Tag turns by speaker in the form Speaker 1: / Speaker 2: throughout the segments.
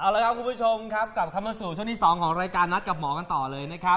Speaker 1: เอาละครับคุณผู้ชมครับกลับเข้ามาสู่ช่วงที่2ของรายการนัดกับหมอกันต่อเลยนะครับ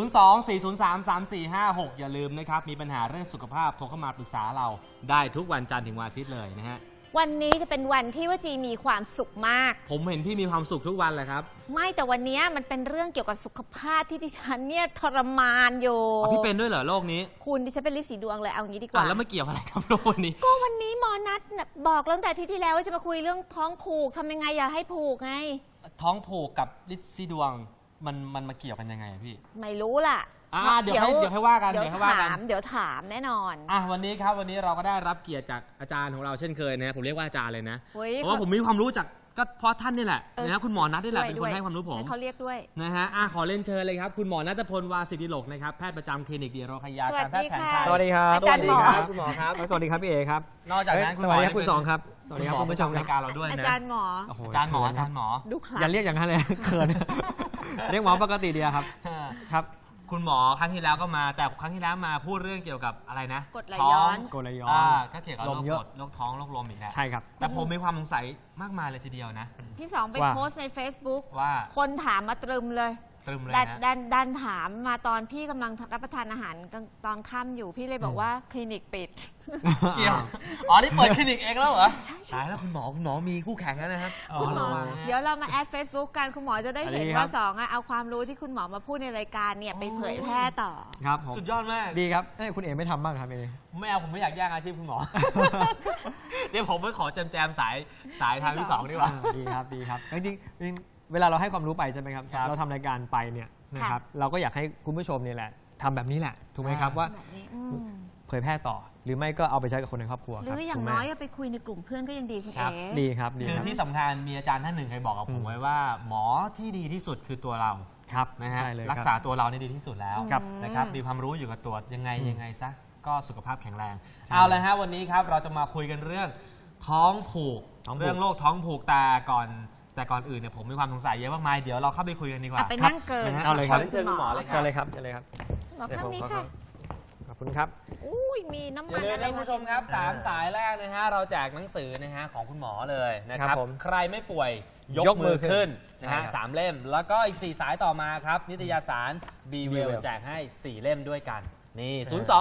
Speaker 1: 024033456อย่าลืมนะครับมีปัญหาเรื่องสุขภาพโทรเข้ามาปรึกษาเราได้ทุกวันจันทร์ถึงวันอาทิตย์เลยนะฮะ
Speaker 2: วันนี้จะเป็นวันที่ว่าจีมีความสุขมาก
Speaker 1: ผมเห็นพี่มีความสุขทุกวันเลยครับ
Speaker 2: ไม่แต่วันนี้มันเป็นเรื่องเกี่ยวกับสุขภาพที่ดิฉันเนี่ยทรมานอยู่
Speaker 1: พี่เป็นด้วยเหรอโรคนี้
Speaker 2: คุณดิฉันเป็นลิสีดวงเลยเอางี้ดีกว่า
Speaker 1: แล้วไม่เกี่ยวอะไรกับโรควันนี้
Speaker 2: ก็วันนี้หมอนัดบอกตั้งแต่ที่แล้วว่าจะมาคุยเรื่องท้องผูกทำยังไงอย่าให้ผูกไง
Speaker 1: ท้องผูกกับลิสีดวงมันมาเกี่ยวกันยังไงพี่
Speaker 2: ไม่รู้ล่ะ
Speaker 1: เดี๋ยวให้ว่ากัน
Speaker 2: เดี๋ยวถามแน่นอน
Speaker 1: วันนี้ครับวันนี้เราก็ได้รับเกียรติจากอาจารย์ของเราเช่นเคยนะผมเรียกว่าอาจารย์เลยนะเพราะว่าผมมีความรู้จากก็เพราะท่านนี่แหละนะคุณหมอนัทนี่แหละเป็นคนให้ความรู้ผม
Speaker 2: เขาเรียกด้วย
Speaker 1: นะฮะขอเล่นเชิญเลยครับคุณหมอณัฐพลวาสิทธิโลกนะครับแพทย์ประจำคลินิกดีโรคยาการแพทย์แผนไทย
Speaker 3: สวัสดีครับ
Speaker 2: อาจารย์หมอ
Speaker 3: คุณหมอครับสวัสดีครับพี่เอครับ
Speaker 1: นอกจากนั้น
Speaker 3: สวัสดีครับคุณสองครับสวัสดีครับคุณผู้ชม
Speaker 1: รายการเราด้วยนะ
Speaker 2: อาจารย์หมอ
Speaker 1: อาจารย์หมอ
Speaker 2: ดูคลา
Speaker 3: อย่าเรียกอย่างนั้นเลยเขินเรียกหมอปกติดีครับครับ
Speaker 1: คุณหมอครั้งที่แล้วก็มาแต่ครั้งที่แล้วมาพูดเรื่องเกี่ยวกับอะไรนะ
Speaker 2: กรดไหลย้อน
Speaker 1: ก็เกี่ยวกับโรคท้องโรคลมอีกแล้ว
Speaker 3: ใช่ครับ
Speaker 1: แต่ผมมีความสงสัยมากมายเลยทีเดียวนะ
Speaker 2: พี่สองไปโพสต์ใน Facebook
Speaker 1: ว่า
Speaker 2: คนถามมาตรึมเลยดันถามมาตอนพี่กำลังรับประทานอาหารตอนค่ำอยู่พี่เลยบอกว่าคลินิกปิด
Speaker 1: เกี่ยวนี่เปิดคลินิกเองแล้วเหรอใช่แล้วคุณหมอมีคู่แข่งแล้วนะครับ
Speaker 2: คุณหมอเดี๋ยวเรามาแอด Facebook กันคุณหมอจะได้เห็นว่าสองเอาความรู้ที่คุณหมอมาพูดในรายการเนี่ยไปเผยแพร่ต่อ
Speaker 3: ครับ
Speaker 1: สุดยอดมาก
Speaker 3: ดีครับคุณเอ๋ไม่ทำบ้างครับเอ
Speaker 1: ไม่เอาผมไม่อยากแย่งอาชีพคุณหมอเดี๋ยวผมไปขอแจมสายทางที่2ดีกว่า
Speaker 3: ดีครับจริงเวลาเราให้ความรู้ไปใช่ไหมครับเราทำรายการไปเนี่ยนะครับเราก็อยากให้คุณผู้ชมนี่แหละทำแบบนี้แหละถูกไหมครับว่าเผยแพร่ต่อหรือไม่ก็เอาไปใช้กับคนในครอบครัว
Speaker 2: หรืออย่างน้อยไปคุยในกลุ่มเพื่อนก็ยังดีคุณเอ๋
Speaker 3: ดีครับ
Speaker 1: คือที่สำคัญมีอาจารย์ท่านหนึ่งเคยบอกกับผมไว้ว่าหมอที่ดีที่สุดคือตัวเรา
Speaker 3: ครับ
Speaker 1: นะฮะรักษาตัวเรานี่ดีที่สุดแล้วนะครับมีความรู้อยู่กับตัวยังไงซะก็สุขภาพแข็งแรงเอาเลยฮะวันนี้ครับเราจะมาคุยกันเรื่องท้องผูกเรื่องโรคท้องผูกแต่ก่อนอื่นเนี่ยผมมีความสงสัยเยอะมากมายเดี๋ยวเราเข้าไปคุยกันดีกว่า
Speaker 2: ไปนั่งเกิน
Speaker 3: เอาเลยครับ
Speaker 1: เชิญคุณหมอเลย
Speaker 3: ครับ
Speaker 2: หมอข้างนี้ค่ะ
Speaker 3: ขอบคุณครับ
Speaker 2: มีน้ำมันอะไร
Speaker 1: คุณผู้ชมครับ3สายแรกนะฮะเราแจกหนังสือนะฮะของคุณหมอเลยนะครับใครไม่ป่วยยกมือขึ้นนะฮะ3เล่มแล้วก็อีก4สายต่อมาครับนิตยสาร Be Well แจกให้4เล่มด้วยกันนี่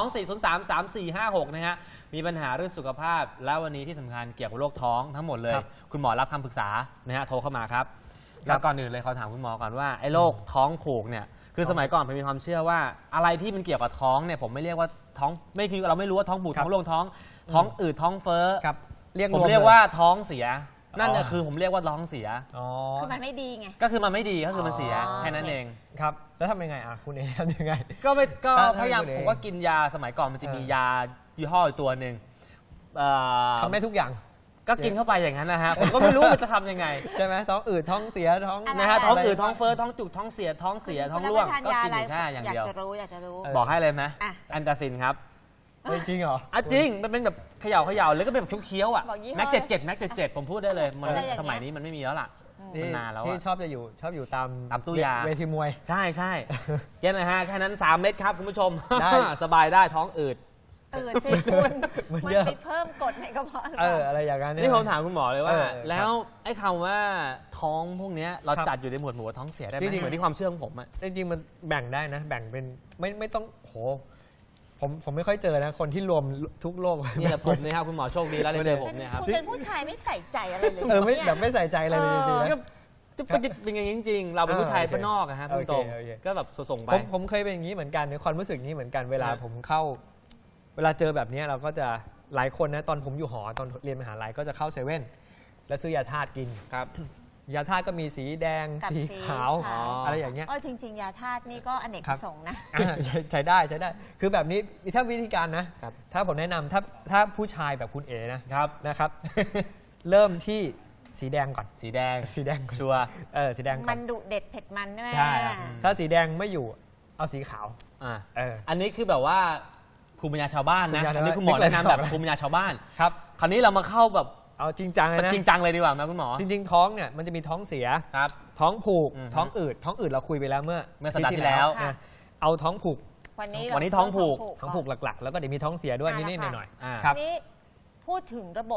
Speaker 1: 024033456นะฮะมีปัญหาเรื่องสุขภาพแล้ววันนี้ที่สำคัญเกี่ยวกับโรคท้องทั้งหมดเลยคุณหมอรับคำปรึกษานะฮะโทรเข้ามาครับแล้วก่อนอื่นเลยเขาถามคุณหมอก่อนว่าไอ้โรคท้องผูกเนี่ยคือสมัยก่อนผมมีความเชื่อว่าอะไรที่มันเกี่ยวกับท้องเนี่ยผมไม่เรียกว่าท้องไม่คือเราไม่รู้ว่าท้องผูกท้องโรคท้องอืดท้องเฟ้อผมเรียกว่าท้องเสียนั่นเนี่ยคือผมเรียกว่าท้องเสีย
Speaker 2: คือมันไม่ดีไง
Speaker 1: ก็คือมันไม่ดีก็คือมันเสียแค่นั้นเอง
Speaker 3: ครับแล้วทำยังไงคุณเอทำยังไง
Speaker 1: ก็พยายามผมก็กินยาสมัยก่อนมันจะมียายี่ห้อตัวหนึ่ง
Speaker 3: ทำได้ทุกอย่าง
Speaker 1: ก็กินเข้าไปอย่างนั้นนะฮะผมก็ไม่รู้มันจะทำยังไง
Speaker 3: ใช่ไหมท้องอืดท้องเสียท้อง
Speaker 1: นะฮะท้องอืดท้องเฟ้อท้องจุกท้องเสียท้องร่วงก็กินแค่อย่างเดียว
Speaker 2: อยากจะรู้
Speaker 1: บอกให้เลยไหมอันตาซินครับ
Speaker 3: จริงเหรอ
Speaker 1: จริงมันเป็นแบบเขย่าแล้วก็เป็นแบบเคี้ยวอ่ะแม็ก77ผมพูดได้เลยมันสมัยนี้มันไม่มีแล้วล่ะนานแล้ว
Speaker 3: ที่ชอบอยู่ตาม
Speaker 1: ตู้ยา
Speaker 3: เวทีมวย
Speaker 1: ใช่แค่นะฮะแค่นั้น3 เม็ดครับคุณผู้ชมสบายได้ท้องอืด
Speaker 2: จริงคุณมันไปเพิ่มกรดในกระเพาะ
Speaker 3: อะไรอย่างนั้น
Speaker 1: นี่ผมถามคุณหมอเลยว่าแล้วไอ้คำว่าท้องพวกนี้เราจัดอยู่ในหมวดหมู่ท้องเสียได้ไหมเหมือนที่ความเชื่อของผมอ่ะ
Speaker 3: จริงๆมันแบ่งได้นะแบ่งเป็นไม่ต้องโหผมไม่ค่อยเจอนะคนที่รวมทุกโรค
Speaker 1: นี่แหละผมนะครับคุณหมอโชคดีแล้วเลยเจอผมเนี่ยครับ
Speaker 2: คุณเป็นผู้ชายไม่ใส่ใจอะไรเลย
Speaker 3: ไม่แบบไม่ใส่ใจอะไรเลยจริงๆ
Speaker 1: จะเป็นอย่างนี้จริงๆเราเป็นผู้ชายบ้านนอกอะฮะตรงๆก็แบบส่งไป
Speaker 3: ผมเคยเป็นอย่างนี้เหมือนกันในความรู้สึกนี้เหมือนกันเวลาผมเข้าเวลาเจอแบบนี้เราก็จะหลายคนนะตอนผมอยู่หอตอนเรียนมหาลัยก็จะเข้าเซเว่นแล้วซื้อยาธาตุกิน
Speaker 1: ครับ
Speaker 3: ยาธาตุก็มีสีแดงสีขาวอะไรอย่างเงี้ย
Speaker 2: จริงๆยาธาตุนี่ก็อเนกประสงค์นะ
Speaker 3: ใช้ได้คือแบบนี้ถ้าวิธีการนะถ้าผมแนะนำถ้าผู้ชายแบบคุณเอ๋นะครับเริ่มที่สีแดงก่อน
Speaker 1: สีแดง
Speaker 3: ชัวร์สีแดง
Speaker 2: มันดุเด็ดเผ็ดมันใช่ไหม
Speaker 3: ใช่ถ้าสีแดงไม่อยู่เอาสีขาว
Speaker 1: อันนี้คือแบบว่าภูมิปัญญาชาวบ้านนะอันนี้คุณหมอแนะนำแบบภูมิปัญญาชาวบ้าน
Speaker 3: ครับ
Speaker 1: คราวนี้เรามาเข้าแบบ
Speaker 3: เอาจริงจังเลยนะ
Speaker 1: จริงจังเลยดีกว่านะคุณหมอ
Speaker 3: จริงๆท้องเนี่ยมันจะมีท้องเสียท้องผูกท้องอืดเราคุยไปแล้วเมื่อ
Speaker 1: สัปดาห์ที่แล้ว
Speaker 3: เอาท้องผูก
Speaker 2: วัน
Speaker 1: นี้ท้องผูก
Speaker 3: หลักๆแล้วก็เดี๋ยวมีท้องเสียด้วยนิดๆหน่อย
Speaker 2: ๆครับนี้พูดถึงระบบ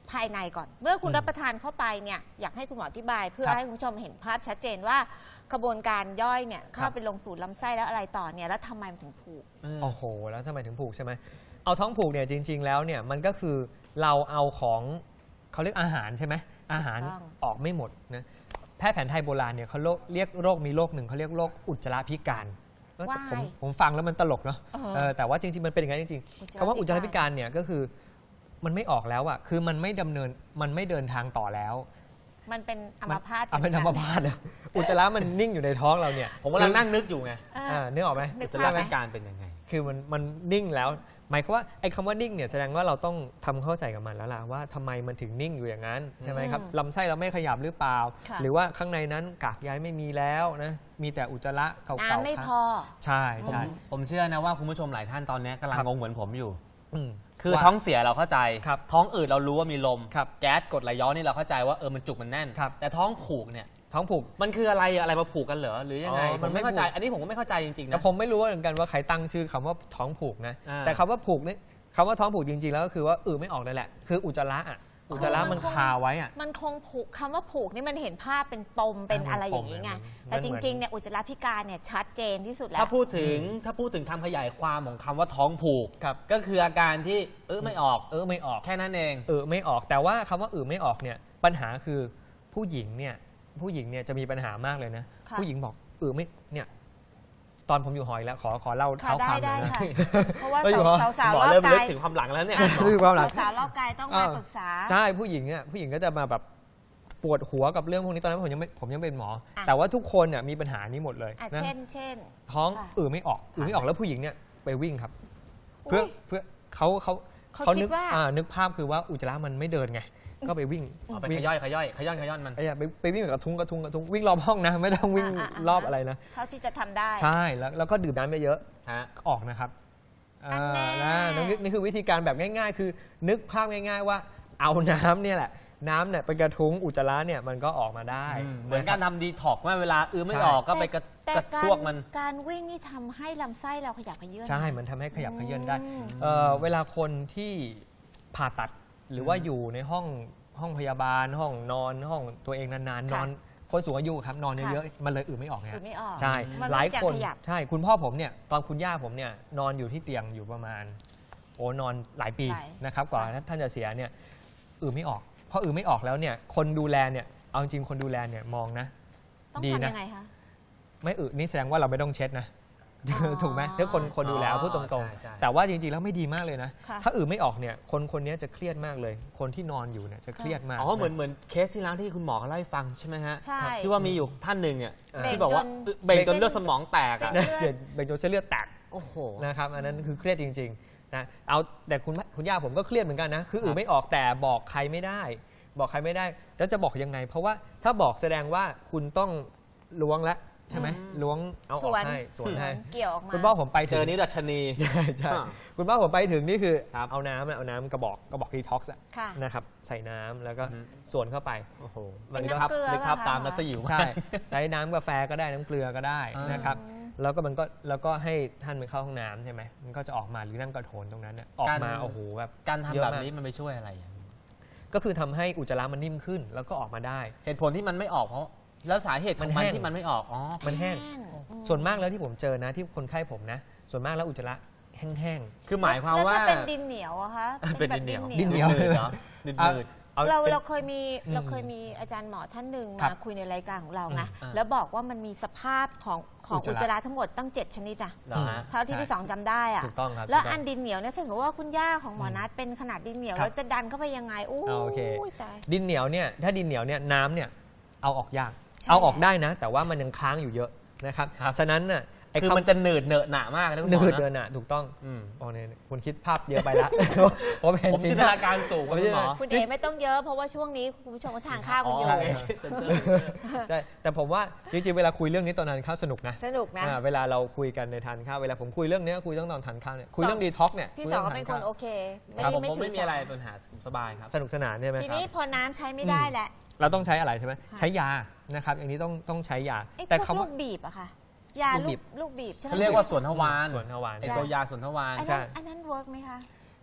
Speaker 2: ภายในก่อน เมื่อคุณ
Speaker 3: อืม
Speaker 2: รับประทานเข้าไปเนี่ยอยากให้คุณหมออธิบาย เพื่อ
Speaker 3: ครับ
Speaker 2: ให้คุณผู้ชมเห็นภาพชัดเจนว่ากระบวนการย่อยเนี่ยเข้าไปลงสู่ลำไส้แล้วอะไรต่อเนี่ยแล้วทำไมมันถึงผูก
Speaker 3: โอ้โหแล้วทำไมถึงผูกใช่ไหมเอาท้องผูกเนี่ยจริง ๆ แล้วเนี่ยมันก็คือเราเอาของเขาเรียกอาหารใช่ไหมอาหาร
Speaker 2: ถูกต้อง
Speaker 3: ออกไม่หมดนะแพทย์แผนไทยโบราณเนี่ยเขาเรียกโรคมีโรคหนึ่งเขาเรียกโรคอุจจาระพิการผมฟังแล้วมันตลกเนาะแต่ว่าจริงๆมันเป็นอย่างนั้นจริงๆคำว่าอุจจาระพิการเนี่ยก็คือมันไม่ออกแล้วอ่ะคือมันไม่เดินทางต่อแล้ว
Speaker 2: มันเป็นอัมพาต
Speaker 3: เป็นอัมพาตอะอุจจาระมันนิ่งอยู่ในท้องเราเนี่ย
Speaker 1: ผมกำลังนั่งนึกอยู่ไง
Speaker 3: นึกออกไหม
Speaker 2: นึก
Speaker 1: จะ
Speaker 2: ภา
Speaker 1: เรื่
Speaker 2: พ
Speaker 1: อง
Speaker 2: ไหม
Speaker 1: การเป็นยังไง
Speaker 3: คือมันนิ่งแล้วหมายความว่าไอ้คำว่านิ่งเนี่ยแสดงว่าเราต้องทำเข้าใจกับมันแล้วล่ะว่าทำไมมันถึงนิ่งอยู่อย่างนั้นใช่ไหมครับลำไส้เราไม่ขยับหรือเปล่า
Speaker 2: ค่ะ
Speaker 3: หรือว่าข้างในนั้นกากใยไม่มีแล้วนะมีแต่อุจจาระเก่าๆ
Speaker 2: น้ำไม่พอ
Speaker 3: ใช่ใช่
Speaker 1: ผมเชื่อนะว่าคุณผู้ชมหลายท่านตอนนี้กำลัง
Speaker 3: ครับ
Speaker 1: งงเหมือนผมอยู่
Speaker 3: อืม
Speaker 1: คือ
Speaker 3: ว่า
Speaker 1: ท้องเสียเราเข้าใจ
Speaker 3: ครับ
Speaker 1: ท้องอืดเรารู้ว่ามีลม
Speaker 3: ครับ
Speaker 1: แก๊สกรดไหลย้อนนี่เราเข้าใจว่ามันจุกมันแน่น
Speaker 3: ครับ
Speaker 1: แต่ท้องผูกเนี่ย
Speaker 3: ท้องผูก
Speaker 1: มันคืออะไรอะไรมาผูกกันเหรอหรือยังไง
Speaker 3: อ๋อ
Speaker 1: ผ
Speaker 3: มัน
Speaker 1: ม
Speaker 3: ไม่
Speaker 1: ไม่เข้าใจ
Speaker 3: ผูก
Speaker 1: อันนี้ผมก็ไม่เข้าใจจริงๆ
Speaker 3: แต่
Speaker 1: นะ
Speaker 3: ผมไม่รู้เหมือนกันว่าใครตั้งชื่อคำว่าท้องผูกนะ
Speaker 1: อ่า
Speaker 3: แต่คำว่าผูกนี่คำว่าท้องผูกจริงๆแล้วก็คือว่าไม่ออกเลยแหละคืออุจจาระอ่ะอุจจาระมันคาไว้อ่ะ
Speaker 2: มันคงผูกคำว่าผูกนี่มันเห็นภาพเป็นปมเป็นอะไรอย่างนี้ไง
Speaker 3: มัน
Speaker 2: แต่
Speaker 3: เหมื
Speaker 2: จ
Speaker 3: อน
Speaker 2: ริงๆเนี่ยอุจจาระพิการเนี่ยชัดเจนที่สุดแล้ว
Speaker 1: ถ้าพูดถึงคำขยายความของคำว่าท้องผูก
Speaker 3: ครับ
Speaker 1: ก็คืออาการที่ไม่ออก
Speaker 3: ไม่ออก
Speaker 1: แค่นั้นเอง
Speaker 3: ไม่ออกแต่ว่าคำว่าไม่ออกเนี่ยปัญหาคือผู้หญิงเนี่ยจะมีปัญหามากเลยนะ
Speaker 2: ค่ะ
Speaker 3: ผู้หญิงบอกไม่เนี่ยตอนผมอยู่หอยแล้วขอเล่า
Speaker 2: ค่ะ
Speaker 3: เท้าความหน่
Speaker 2: ได้
Speaker 3: อยนะ
Speaker 2: ค่ะ เพราะว่า
Speaker 3: อยู่หอ
Speaker 2: สาว
Speaker 1: หม
Speaker 2: ๆ
Speaker 1: อ
Speaker 2: รอบ
Speaker 1: เริ่มลึ
Speaker 2: กาก ย
Speaker 1: ถึงความหลังแล้วเนี่ย
Speaker 3: คือความหลัง
Speaker 2: สาวๆรอบกายต้องมาปรึกษา
Speaker 3: ใช่ผู้หญิงก็จะมาแบบปวดหัวกับเรื่องพวกนี้ตอนนั้นผมยังเป็นหมอ
Speaker 2: อ่ะ
Speaker 3: แต่ว่าทุกคนเนี่ยมีปัญหานี้หมดเลย
Speaker 2: อ่ะ
Speaker 3: นะ
Speaker 2: เช่น
Speaker 3: ท้อง
Speaker 2: ค่ะ
Speaker 3: ไม่ออกไม่ออกแล้วผู้หญิงเนี่ยไปวิ่งครับ
Speaker 2: อุ๊ย
Speaker 3: เพื่อเขา
Speaker 2: เขาคิ
Speaker 3: นึ
Speaker 2: ด
Speaker 3: ก
Speaker 2: ว่า
Speaker 3: นึกภาพคือว่าอุจจาระมันไม่เดินไงก็ไปวิ่ง
Speaker 1: เอาไปขย่อนมัน
Speaker 3: ไปวิ่งกับกระทุ้งวิ่งรอบห้องนะไม่ต้องวิ่งรอบอะไรนะ
Speaker 2: เท่าที่จะทำได้
Speaker 3: ใช่แล้วก็ดื่มน้ำเยอะ
Speaker 1: ฮะ
Speaker 3: ๆออกนะครับ
Speaker 2: อันแน่
Speaker 3: นี่คือวิธีการแบบง่าย ๆ คือนึกภาพง่าย ๆ ว่าเอาน้ำเนี่ยแหละน้ำเนี่ยไปกระทุ้งอุจจาระเนี่ยมันก็ออกมาได้
Speaker 1: เหมือนการทำดีท็อกว่าเวลาไม่ออกก็ไปกระ
Speaker 2: แต่
Speaker 1: ซวกมัน
Speaker 2: การวิ่งนี่ทำให้ลำไส้เราขยับขยื่น
Speaker 3: ใช่มันทำให้ขยับขยื่นได้
Speaker 2: อืม
Speaker 3: เวลาคนที่ผ่าตัดหรือว่าอยู่ในห้องพยาบาลห้องนอนห้องตัวเองนานๆนอนคนสูงอายุครับนอนเยอะๆมันเลยไม่ออกไง
Speaker 2: ไม่ออก
Speaker 3: ใช่
Speaker 2: มัน
Speaker 3: หลายคน
Speaker 2: ไม่อยากขยับ
Speaker 3: ใช่คุณพ่อผมเนี่ยตอนคุณย่าผมเนี่ยนอนอยู่ที่เตียงอยู่ประมาณนอนหลายปีนะครับกว่าท่านจะเสียเนี่ยไม่ออกพอไม่ออกแล้วเนี่ยคนดูแลเนี่ยเอาจริงคนดูแลเนี่ยมองนะ
Speaker 2: ต้อง
Speaker 3: ดี
Speaker 2: ทำ
Speaker 3: นะ
Speaker 2: ยังไงคะ
Speaker 3: ไม่นี่แสดงว่าเราไม่ต้องเช็ดนะ
Speaker 2: อ๋อ
Speaker 3: ถูกไหมถ้าคนดูแลพูดตรง
Speaker 1: ใช่
Speaker 3: ๆ แต่ว่าจริงๆแล้วไม่ดีมากเลยนะ
Speaker 2: ค่ะ
Speaker 3: ถ้าไม่ออกเนี่ยคนนี้จะเครียดมากเลย คนที่นอนอยู่เนี่ยจะเครียดมาก
Speaker 1: อ๋อเหมือนเคสที่แล้วที่คุณหมอเขาเล่าให้ฟังใช่ไหมฮะ
Speaker 2: ใช่
Speaker 1: ที่ว่ามีอยู่ท่านหนึ่งเนี่ย
Speaker 2: เบรก
Speaker 1: ที่บอกว่า
Speaker 2: จน
Speaker 1: เบรกจนเลือดสมองแตกอะ
Speaker 2: เส้
Speaker 3: นะเบนโจเส้นเลือดแตก
Speaker 1: โอ้โห
Speaker 3: นะครับอันนั้นคือเครียดจริงๆนะเอาแต่คุณย่าผมก็เครียดเหมือนกันนะคือไม่ออกแต่บอกใครไม่ได้ บอกใครไม่ได้แล้วจะบอกยังไง เพราะว่าถ้าบอกแสดงว่าคุณต้องล้วงละใช่ไหมล้วงเอาออกให้สวนให้
Speaker 2: เกี่ยวออกมา
Speaker 3: คุณพ่อผมไป
Speaker 1: เจ
Speaker 3: ถึง
Speaker 1: อนี้ดัชนี
Speaker 3: ใช่คุณพ่อผมไปถึงนี่คือ
Speaker 1: ครับ
Speaker 3: เอาน้ำกระบอกดีท็อกซ์
Speaker 2: ค่ะ
Speaker 3: นะครับใส่น้ำแล้วก็
Speaker 1: อือฮึ
Speaker 3: ส่วนเข้าไป
Speaker 1: โอ้โห
Speaker 2: เป็น
Speaker 1: นึกภาพ
Speaker 2: น้ำเกลือ
Speaker 1: นึกภาพ
Speaker 2: ป่ะคะ
Speaker 1: ตามนัสยิว
Speaker 3: ใช่ใช้น้ำกาแฟก็ได้น้ำเกลือก็ได้นะครับแล้วก็ให้ท่านไปเข้าห้องน้ำใช่ไหมมันก็จะออกมาหรือนั่งกระโถนตรงนั้นน่ะออกมาโอ้โหแบบ
Speaker 1: การ
Speaker 3: เย
Speaker 1: ทำ
Speaker 3: อะ
Speaker 1: แบบ
Speaker 3: มาก
Speaker 1: นี้มันไปช่วยอะไรอะ
Speaker 3: ก็คือทำให้อุจจาระมันนิ่มขึ้นแล้วก็ออกมาได้
Speaker 1: เหตุผลที่มันไม่ออกเพราะแล้วสาเหตุของ
Speaker 3: มัน
Speaker 1: มัน
Speaker 3: แห้ง
Speaker 1: ที่มันไม่ออกอ๋อ
Speaker 3: มันแห้งส่วนมากแล้วที่ผมเจอนะที่คนไข้ผมนะ ส่วนมากแล้วอุจจาระแห้ง
Speaker 1: คือหมายความ
Speaker 2: แล้ว
Speaker 1: ว่า
Speaker 2: ถ้าเป็นดินเหนียวอะคะ
Speaker 1: เป็นดินเหนียว
Speaker 3: ดินเหนียว
Speaker 1: ดืดๆเนาะดืด
Speaker 3: ๆเอา
Speaker 2: เรา
Speaker 3: เป็น
Speaker 2: เคยมีอาจารย์หมอท่านหนึ่ง
Speaker 3: ครั
Speaker 2: มา
Speaker 3: บ
Speaker 2: คุยในรายการของเราไง
Speaker 1: อืม
Speaker 2: แล้วบอกว่ามันมีสภาพของ
Speaker 3: อุ
Speaker 2: อุ
Speaker 3: จ
Speaker 2: จ
Speaker 3: จาระ
Speaker 2: จาระทั้งหมดตั้ง 7 ชนิดอะ
Speaker 1: ๆเหรอฮะ
Speaker 2: เท่าที่พี่สองจำได้อะ
Speaker 3: ถูกต้องครับ
Speaker 2: แล้ว
Speaker 3: ถูกต้
Speaker 2: อั
Speaker 3: ง
Speaker 2: นดินเหนียวเนี่ยถ้าสมมติว่าคุณย่าของหมอนัทเป็นขนาดดินเหนียว
Speaker 3: ครับ
Speaker 2: แล้วจะดันเข้าไปยังไงอู้
Speaker 3: โอเค
Speaker 2: ยตาย
Speaker 3: ดินเหนียวเนี่ยถ้าดินเหนียวเนี่ยน้ำเนี่ยเอาออกยาก
Speaker 2: ใช่
Speaker 3: เอาออกได้นะ แต่ว่ามันยังค้างอยู่เยอะนะครับ
Speaker 1: ครับ
Speaker 3: ฉะนั้นน่ะไอ้
Speaker 1: คือมันจะหนืดเหนอะหนามากนะคุณห
Speaker 3: เนิ
Speaker 1: มอ
Speaker 3: ดเดิ
Speaker 1: นะ
Speaker 3: นอ่ะถูกต้อง
Speaker 1: อืม
Speaker 3: โอ้เนี่ยคุณคิดภาพเยอะไปละ ผมเห็น
Speaker 1: ผมจินตนาการสูง
Speaker 3: ผม
Speaker 1: คุณหมอ
Speaker 2: คุณเอไม่ต้องเยอะเพราะว่าช่วงนี้คุณผู้ชมก็ทานข้าวกันอยู่
Speaker 1: อ๋อ
Speaker 3: ใช่แต่ผมว่าจริงๆเวลาคุยเรื่องนี้ตอนทานข้าวสนุกนะ
Speaker 2: สนุกนะ
Speaker 3: เวลาเราคุยกันในทานข้าวเวลาผมคุยเรื่องนี้ก็คุยต้องตอนทานข้าวเนี่ยคุยเรื่องดีท็อกเนี่ย
Speaker 2: พี่
Speaker 3: คุย
Speaker 2: สอ
Speaker 3: รื่
Speaker 2: งก็เป็นคน
Speaker 3: ทา
Speaker 2: โอเค
Speaker 1: ครับผม
Speaker 2: ถื
Speaker 1: ไม่มีอะไร
Speaker 2: สา
Speaker 1: ปัญหาสบายครับ
Speaker 3: สนุกสนานใช่ไหม
Speaker 2: ทีนี้พอน้ำใช้ไม่ได้แหละ
Speaker 3: เราต้องใช้อะไรใช่ไหม
Speaker 2: ค่ะ
Speaker 3: ใช้ยานะครับอย่างนี้ต้องใช้ยา
Speaker 2: ไอ้
Speaker 3: แต่
Speaker 2: พวก
Speaker 3: คำ
Speaker 2: ลู
Speaker 3: ว่าก
Speaker 2: บีบอะค่ะ ยา
Speaker 3: ลูกบีบ
Speaker 2: ลูกบีบใช่ไหม
Speaker 1: เขาเรียกว่าสวนทวาร
Speaker 3: ส่วนทวาร
Speaker 1: ไอตัวยาสวนทวาร
Speaker 2: อัน
Speaker 3: ใช่
Speaker 2: นั้นอันนั้นเวิร์กไหมคะ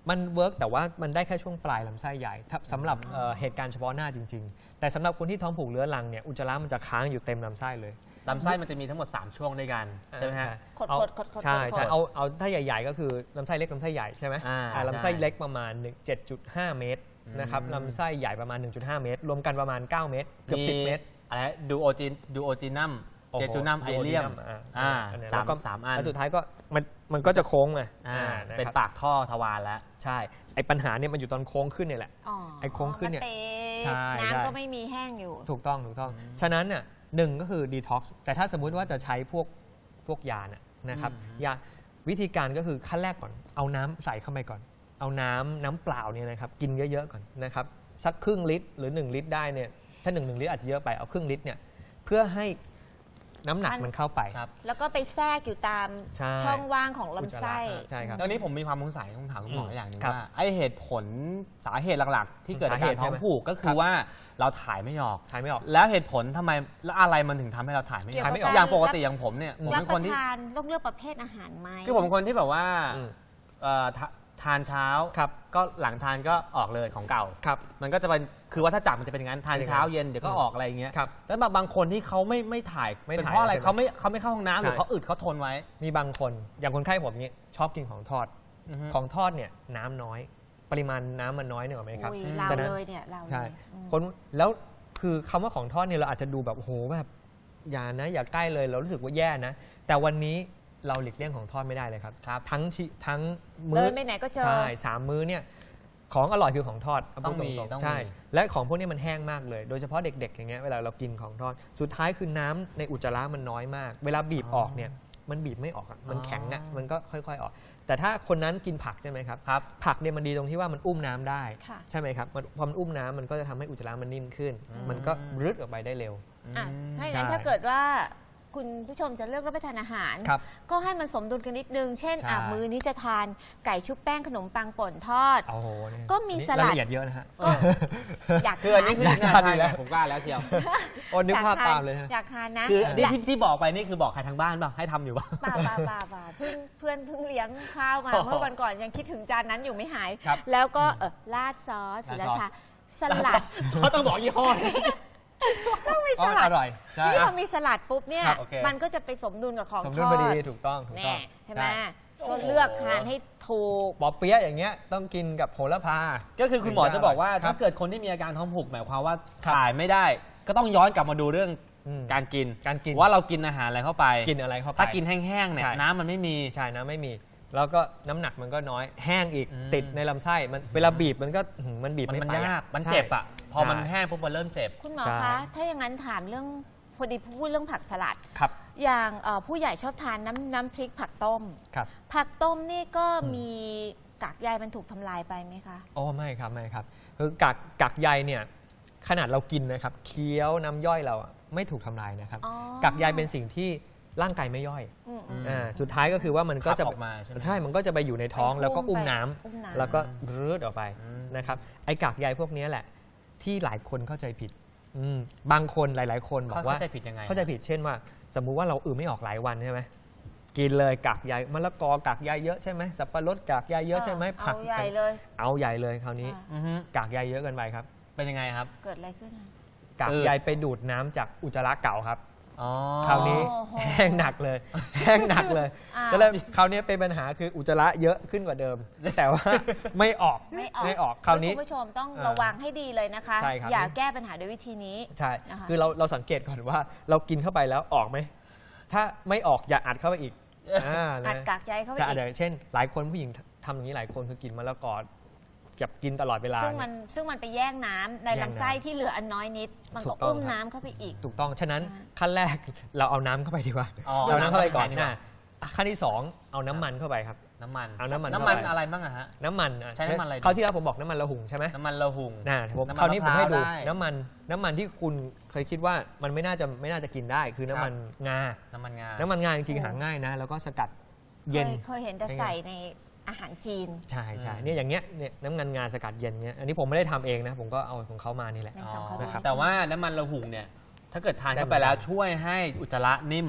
Speaker 3: มันเวิร์กแต่ว่ามันได้แค่ช่วงปลายลำไส้ใหญ่สำหรับเหตุการณ์เฉพาะหน้าจริงๆแต่สำหรับคนที่ท้องผูกเรื้อรังเนี่ยอุจจาระมันจะค้างอยู่เต็มลำไส้เลย
Speaker 1: ลำไส้มันจะมีทั้งหมด3ช่วงด้วยกันใช่ไหมฮะ
Speaker 3: ใช่เอาถ้าใหญ่ๆก็คือลำไส้เล็กลำไส้ใหญ่ใช่ไหมลำไส้เล็กประมาณ 7.5 เมตรนะครับลำไส้ใหญ่ประมาณ 1.5 เมตรรวมกันประมาณ9 เมตรเกือบ10 เมตร
Speaker 1: อะไรดูโอจินัมเจจูนัมไอเลียมสามอัน
Speaker 3: แล้วสุดท้ายก็มันก็จะโค้งไง
Speaker 1: เป็นปากท่อทวารแล้ว
Speaker 3: ใช่ไอ้ปัญหาเนี่ยมันอยู่ตอนโค้งขึ้นเนี่ยแหละไอ้โค้งขึ้นเนี่ย
Speaker 2: น้ำก็ไม่มีแห้งอยู่
Speaker 3: ถูกต้องฉะนั้นเนี่ย1ก็คือดีท็อกซ์แต่ถ้าสมมุติว่าจะใช้พวกยานะครับยาวิธีการก็คือขั้นแรกก่อนเอาน้ำใส่เข้าไปก่อนเอาน้ำเปล่าเนี่ยนะครับกินเยอะๆก่อนนะครับสักครึ่งลิตรหรือ1ลิตรได้เนี่ยถ้า1ลิตรอาจจะเยอะไปเอาครึ่งลิตรเนี่ยเพื่อให้น้ำหนักมันเข้าไป
Speaker 2: แล้วก็ไปแทรกอยู่ตามช่องว่างของลำไส้
Speaker 3: ใช่ครับ
Speaker 1: ตอนนี้ผมมีความสงสัยต้องถามคุณหมออย่างหนึงว่าไอเหตุผลสาเหตุหลักๆที่เกิดอาการท้องผูกก็คือว่าเราถ่ายไม่ออกแล้วเหตุผลทำไมแล้วอะไรมันถึงทำให้เราถ่ายไม่ออกอย่างปกติอย่างผมเนี่ยผมเป็นคนที่
Speaker 2: ต้องเลือกประเภทอาหารไหม
Speaker 1: คือผมเป็นคนที่แบบว่าทานเช้าก็หลังทานก็ออกเลยของเก่ามันก็จะเป็นคือว่าถ้าจับมันจะเป็นอย่างนั้นทานเช้าเย็นเดี๋ยวก็ออกอะไรอย่างเงี้ยแล้วบางคนที่เขาไม่ถ่ายเป็นเพราะอะไรเขาไม่เข้าห้องน้ำหรือเขาอึดเขาทนไว้
Speaker 3: มีบางคนอย่างคนไข้ผมนี้ชอบกินของทอดของทอดเนี่ยน้ำน้อยปริมาณน้ำมันน้อยเนี่ยหรอไหมครับ
Speaker 2: เราเลยเนี่ยเรา
Speaker 3: ใช่คนแล้วคือคำว่าของทอดเนี่ยเราอาจจะดูแบบโอ้โหแบบอย่าใกล้เลยเรารู้สึกว่าแย่นะแต่วันนี้เราหลีกเลี่ยงของทอดไม่ได้เลยครับทั้ง
Speaker 2: มื้อเดินไปไหนก็เจอ
Speaker 3: ใช่3 มื้อเนี่ยของอร่อยคือของทอด
Speaker 1: ต้องมี
Speaker 3: ใช่และของพวกนี้มันแห้งมากเลยโดยเฉพาะเด็กๆอย่างเงี้ยเวลาเรากินของทอดสุดท้ายคือน้ำในอุจจาระมันน้อยมากเวลาบีบออกเนี่ยมันบีบไม่ออกมันแข็งอ่ะมันก็ค่อยๆออกแต่ถ้าคนนั้นกินผักใช่ไหมครับผักเนี่ยมันดีตรงที่ว่ามันอุ้มน้ำได้ใช่ไหมครับพอมันอุ้มน้ำมันก็จะทำให้อุจจาระมันนิ่มขึ้นมันก็รึดออกไปได้เร็ว
Speaker 2: ถ้าอย่างนั้นถ้าเกิดว่าคุณผู้ชมจะเลือกรับประทานอาหารก็ให้มันสมดุลกันนิดนึงเช่นมื้อนี้จะทานไก่ชุบแป้งขนมปังป่นทอดก็มีสลัด
Speaker 3: ละเอียดเยอะนะฮะ
Speaker 2: อยาก
Speaker 1: คืออันนี้คือทานแล้วผมกล้าแล้วเชียว
Speaker 3: โอ้นึกภาพตามเลย
Speaker 2: อยากทานนะ
Speaker 1: คือที่บอกไปนี่คือบอกใครทางบ้านป่ะให้ทำอยู่ป่ะ
Speaker 2: ป่าเพื่อนเพิ่งเลี้ยงข้าวมาเมื่อวันก่อนยังคิดถึงจานนั้นอยู่ไม่หายแล้วก็ราดซอสศิลชาสลัด
Speaker 1: ซอสต้องบอกยี่ห้อ
Speaker 2: ต้องมีสลัด
Speaker 3: อร่อย
Speaker 2: นี่พอมีสลัดปุ๊บเนี่ยมันก็จะไปสมดุลกับของทอด
Speaker 3: สมดุลพอดีถูกต้อง
Speaker 2: ใช่ไหมก็เลือกทานให้ถูก
Speaker 3: ปอเปี๊ยะอย่างเงี้ยต้องกินกับโหระพา
Speaker 1: ก็คือคุณหมอจะบอกว่าถ้าเกิดคนที่มีอาการท้องผูกหมายความว่าถ่ายไม่ได้ก็ต้องย้อนกลับมาดูเรื่องการกินว่าเรากินอาหารอะไรเข้าไปถ้ากินแห้งๆเนี่ยน้ำมันไม่มี
Speaker 3: ใช่น้ำไม่มีแล้วก็น้ำหนักมันก็น้อยแห้งอีกติดในลำไส้มันเวลาบีบมันก็มันบีบไม่ไป
Speaker 1: ยากมันเจ็บอ่ะพอมันแห้งปุ๊บมันเริ่มเจ็บ
Speaker 2: คุณหมอคะถ้าอย่างนั้นถามเรื่องพอดีพูดเรื่องผักสลัด
Speaker 3: ครับ
Speaker 2: อย่างผู้ใหญ่ชอบทานน้ำพริกผักต้มผักต้มนี่ก็มีกากใยมันถูกทำลายไปไหมคะ
Speaker 3: อ๋อไม่ครับคือกากใยเนี่ยขนาดเรากินนะครับเคี้ยวน้ำย่อยเราไม่ถูกทำลายนะครับกากใยเป็นสิ่งที่ร่างกายไม่ย่อยสุดท้ายก็คือว่ามันก็จะ
Speaker 1: ออกมา
Speaker 3: ใช่มันก็จะไปอยู่ในท้องแล้วก็อุ้มน้ำแล้วก็รืดออกไปนะครับไอ้กากใยพวกนี้แหละที่หลายคนเข้าใจผิดบางคนหลายๆคนบอกว่า
Speaker 1: เข้าใจผิดยังไง
Speaker 3: เข้าใจผิดเช่นว่าสมมุติว่าเราไม่ออกหลายวันใช่ไหมกินเลยกากใยมะละกอกากใยเยอะใช่ไหมสับปะรดกากใยเยอะใช่ไหม
Speaker 2: ผักเอาใหญ่
Speaker 3: เลยคราวนี้กากใยเยอะเกินไปครับ
Speaker 1: เป็นยังไงครับ
Speaker 2: เกิดอะไรขึ้น
Speaker 3: กากใยไปดูดน้ำจากอุจจาระเก่าครับคราวนี้แห้งหนักเลยก็เลยคราวนี้เป็นปัญหาคืออุจจาระเยอะขึ้นกว่าเดิมแต่ว่าไม่ออกคราวนี้
Speaker 2: คุณผู้ชมต้องระวังให้ดีเลยนะคะอย่าแก้ปัญหาด้วยวิธีนี้
Speaker 3: ใช่คือเราสังเกตก่อนว่าเรากินเข้าไปแล้วออกไหมถ้าไม่ออกอย่าอัดเข้าไปอีก
Speaker 2: อัดกากใยเข้าไปอี
Speaker 3: กเช่นหลายคนผู้หญิงทำอย่างนี้หลายคนคือกินมะละกอเก็บกินตลอดเวลา
Speaker 2: ซึ่งมันไปแย่งน้ำในลำไส้ที่เหลืออันน้อยนิดมันก็อุ้มน้ำเข้าไปอีก
Speaker 3: ถูกต้องฉะนั้นขั้นแรกเราเอาน้ำเข้าไปดีกว่าเอาน้ำเข้าไปก่อนขั้นที่2เอาน้ำมันเข้าไปครับ
Speaker 1: น้ำมัน
Speaker 3: อะไร
Speaker 1: บ้างอะฮะ
Speaker 3: น้ำมัน
Speaker 1: ใช้น้ำมันอะไร
Speaker 3: คราวที่แล้วผมบอกน้ำมันละหุ่งใช่ไหม
Speaker 1: น้ำมันละหุ่ง
Speaker 3: คราวนี้ผมให้ดูน้ำมันที่คุณเคยคิดว่ามันไม่น่าจะกินได้คือน้ำมันงาจริงๆหาง่ายนะแล้วก็สกัดเย็น
Speaker 2: เคยเห็นแต่ใส่ในอาหารจีน
Speaker 3: ใช่เนี่ยอย่างเงี้ยน้ำมันงาสกัดเย็นเงี้ยอันนี้ผมไม่ได้ทำเองนะผมก็เอาของเขามานี่แหละ
Speaker 1: แต่ว่าน้ำมันละหุ่งเนี่ยถ้าเกิดทานเข้าไปแล้วช่วยให้อุจจาระนิ่ม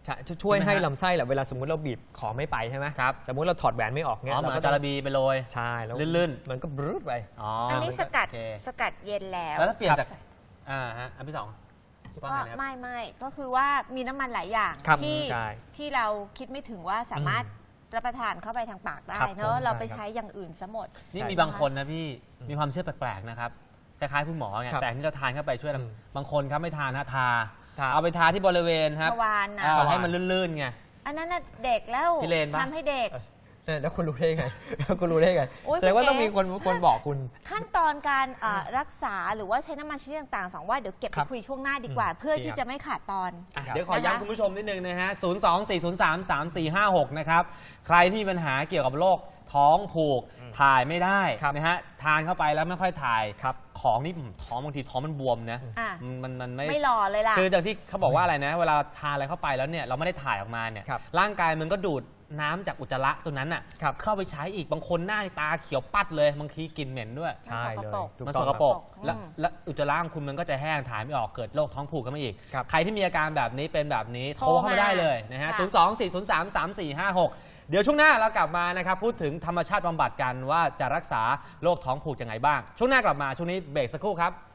Speaker 3: ช่วยให้ลำไส้แหละเวลาสมมุติเราบีบของไม่ไปใช่ไหมครับสมมุติเราถอดแหวนไม่ออกเนี่ย
Speaker 1: เราก็จาระบีไปโรย
Speaker 3: ใช่แล้ว
Speaker 1: ลื่น
Speaker 3: มันก็บรื้ดไป
Speaker 2: อันนี้สกัดเย็นแล้ว
Speaker 1: แล้วถ้าเปลี่ยนจากอันที่สอง
Speaker 2: ก็ไม่ก็คือว่ามีน้ำมันหลายอย่างที่เราคิดไม่ถึงว่าสามารถรับประทานเข้าไปทางปากได้เนอะเราไปใช้อย่างอื่นซะหมด
Speaker 1: นี่มีบางคนนะพี่มีความเชื่อแปลกๆนะครับคล้ายๆคุณหมอไงแต่ที่เราทานเข้าไปช่วยบางคนครับไม่ทานนะทาเอาไปทาที่บริเวณครับให้มันลื่นๆไง
Speaker 2: อันนั้นเด็กแล้วทำให้เด็ก
Speaker 3: แล้วคุณรู้ได้ไงคุณรู้ได้ไงแสดงว่าต้องมีคนบอกคุณ
Speaker 2: ขั้นตอนการรักษาหรือว่าใช้น้ำมันชนิดต่างๆสองว่าเดี๋ยวเก็บไปคุยช่วงหน้าดีกว่าเพื่อที่จะไม่ขาดตอน
Speaker 1: เดี๋ยวขอย้ำคุณผู้ชมนิดนึงนะฮะ024033456นะครับใครที่มีปัญหาเกี่ยวกับโรคท้องผูกถ่ายไม่ได้นะฮะทานเข้าไปแล้วไม่ค่อยถ่ายของนี่ท้องบางทีท้องมันบวมนะ
Speaker 2: มันไม่หล่อเลยล่ะ
Speaker 1: คือจากที่เขาบอกว่าอะไรนะเวลาทานอะไรเข้าไปแล้วเนี่ยเราไม่ได้ถ่ายออกมาเนี่ยร่างกายมันก็ดูดน้ำจากอุจจาระตัวนั้นน่ะเข้าไปใช้อีกบางคนหน้าตาเขียวปัดเลยบางทีกินเหม็นด้วย
Speaker 2: ใช่เลย
Speaker 1: มันสกปรกและอุจจาระของคุณมันก็จะแห้งถ่ายไม่ออกเกิดโรคท้องผูกกันมาอีกใครที่มีอาการแบบนี้เป็นแบบนี้โทรเข้ามาได้เลยนะฮะ024033456เดี๋ยวช่วงหน้าเรากลับมานะครับพูดถึงธรรมชาติบำบัดกันว่าจะรักษาโรคท้องผูกยังไงบ้างช่วงหน้ากลับมาช่วงนี้เบรกสักครู่ครับ